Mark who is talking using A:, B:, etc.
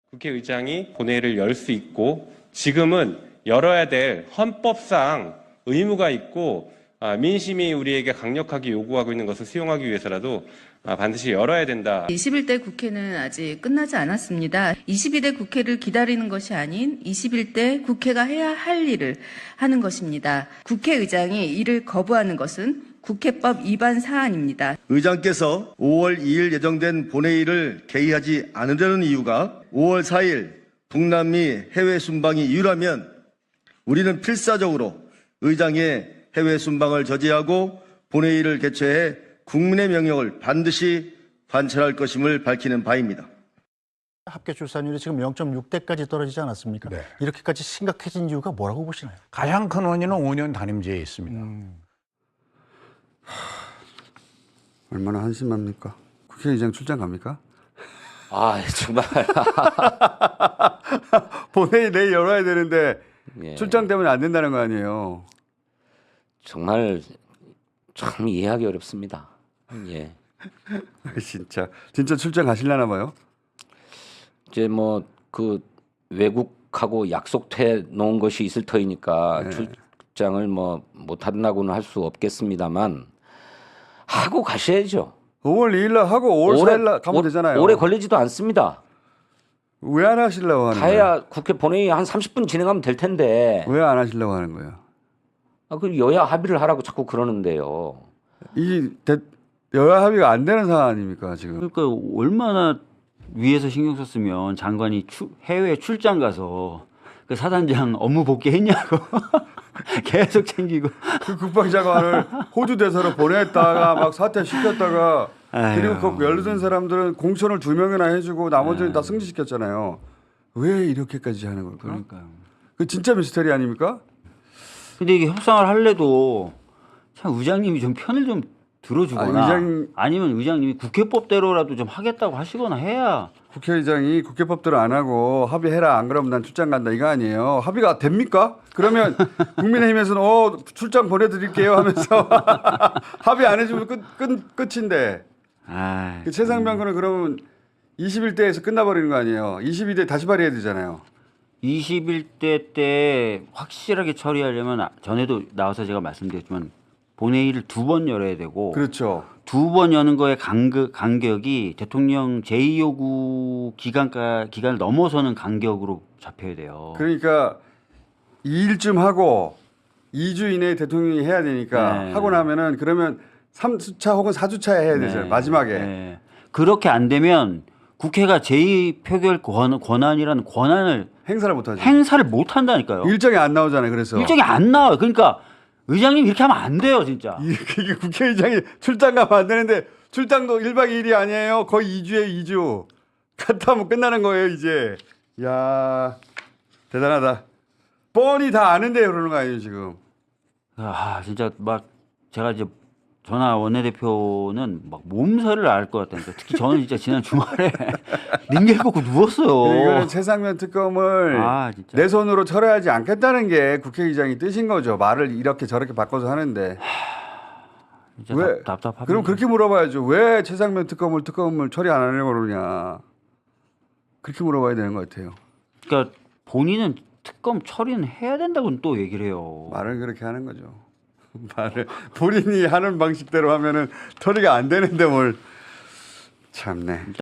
A: 국회의장이 본회의를 열 수 있고 지금은 열어야 될 헌법상 의무가 있고 민심이 우리에게 강력하게 요구하고 있는 것을 수용하기 위해서라도 반드시 열어야 된다.
B: 21대 국회는 아직 끝나지 않았습니다. 22대 국회를 기다리는 것이 아닌 21대 국회가 해야 할 일을 하는 것입니다. 국회의장이 이를 거부하는 것은 국회법 위반 사안입니다.
C: 의장께서 5월 2일 예정된 본회의를 개의하지 않으려는 이유가 5월 4일 북남미 해외 순방이 이유라면 우리는 필사적으로 의장의 해외 순방을 저지하고 본회의를 개최해 국민의 명령을 반드시 관철할 것임을 밝히는 바입니다.
D: 합계 출산율이 지금 0.6대까지 떨어지지 않았습니까? 네. 이렇게까지 심각해진 이유가 뭐라고 보시나요?
E: 가장 큰 원인은 5년 단임제에 있습니다.
F: 얼마나 한심합니까? 국회의장 출장 갑니까?
G: 아, 정말.
F: 본회의 내일 열어야 되는데
G: 예.
F: 출장 때문에 안 된다는 거 아니에요.
G: 정말 참 이해하기 어렵습니다. 예.
F: 진짜 출장 가시려나 봐요.
G: 이제 뭐 그 외국하고 약속해 놓은 것이 있을 터이니까
F: 네.
G: 출장을 뭐 못 한다고는 할 수 없겠습니다만 하고 가셔야죠.
F: 5월 2일 날 하고 5월 4일 날 가면 되잖아요.
G: 오래 걸리지도 않습니다.
F: 왜 안 하시려고 하는 거예요?
G: 가야 국회 본회의 한 30분 진행하면 될 텐데.
F: 왜 안 하시려고 하는 거예요?
G: 그 여야 합의를 하라고 자꾸 그러는데요.
F: 여야 합의가 안 되는 상황 아닙니까 지금?
H: 그러니까 얼마나 위에서 신경 썼으면 장관이 해외 출장 가서 그 사단장 업무 복귀했냐고 계속 챙기고
F: 그 국방장관을 호주 대사로 보냈다가 막 사퇴시켰다가 그리고 그 열든 사람들은 공천을 2명이나 해주고 나머지는 다 승진시켰잖아요. 왜 이렇게까지 하는 걸까?
H: 그러니까요.
F: 그 진짜 미스터리 아닙니까?
H: 근데 이게 협상을 할래도 참 의장님이 좀 편을 좀 들어주거나 아니면 의장님이 국회법대로라도 좀 하겠다고 하시거나 해야.
F: 국회의장이 국회법대로 안 하고 합의해라 안 그러면 난 출장 간다 이거 아니에요. 합의가 됩니까? 그러면 국민의힘에서는 출장 보내드릴게요 하면서 합의 안 해주면 끝인데 그 최상병군은 그러면 21대에서 끝나버리는 거 아니에요. 22대 다시 발의해야 되잖아요.
H: 21대 때 확실하게 처리하려면 전에도 나와서 제가 말씀드렸지만 본회의를 2번 열어야 되고
F: 그렇죠. 2번
H: 여는 거의 간격이 대통령 제2요구 기간을 넘어서는 간격으로 잡혀야 돼요.
F: 그러니까 2일쯤 하고 2주 이내에 대통령이 해야 되니까
H: 네.
F: 하고 나면은 그러면 3주차 혹은 4주차에 해야 되잖아요. 마지막에.
H: 네. 그렇게 안 되면 국회가 제2표결 권한이라는 권한을
F: 행사를 못 하죠.
H: 행사를 못 한다니까요.
F: 일정이 안 나오잖아요. 그래서
H: 일정이 안 나와요. 그러니까 의장님 이렇게 하면 안 돼요, 진짜.
F: 이게 국회의장이 출장 가면 안 되는데 출장도 1박 2일이 아니에요. 거의 2주에 2주. 갔다 오면 끝나는 거예요, 이제. 야 대단하다. 뻔히 다 아는데 그러는 거 아니에요, 지금.
H: 진짜 막 제가 이제 전하 원내대표는 막 몸살을 앓을 것 같다니까. 특히 저는 진짜 지난 주말에 링겔 꽂고 누웠어요.
F: 이거는 최상면 특검을
H: 진짜.
F: 내 손으로 처리하지 않겠다는 게 국회의장이 뜻인 거죠. 말을 이렇게 저렇게 바꿔서 하는데.
H: 진짜
F: 왜?
H: 답답합니다.
F: 그럼 그렇게 물어봐야죠. 왜 최상면 특검을 처리 안 하려고 그러냐. 그렇게 물어봐야 되는 것 같아요.
H: 그러니까 본인은 특검 처리는 해야 된다고는 또 얘기를 해요.
F: 말을 그렇게 하는 거죠. 말을 본인이 하는 방식대로 하면은 처리가 안 되는데 뭘 참네.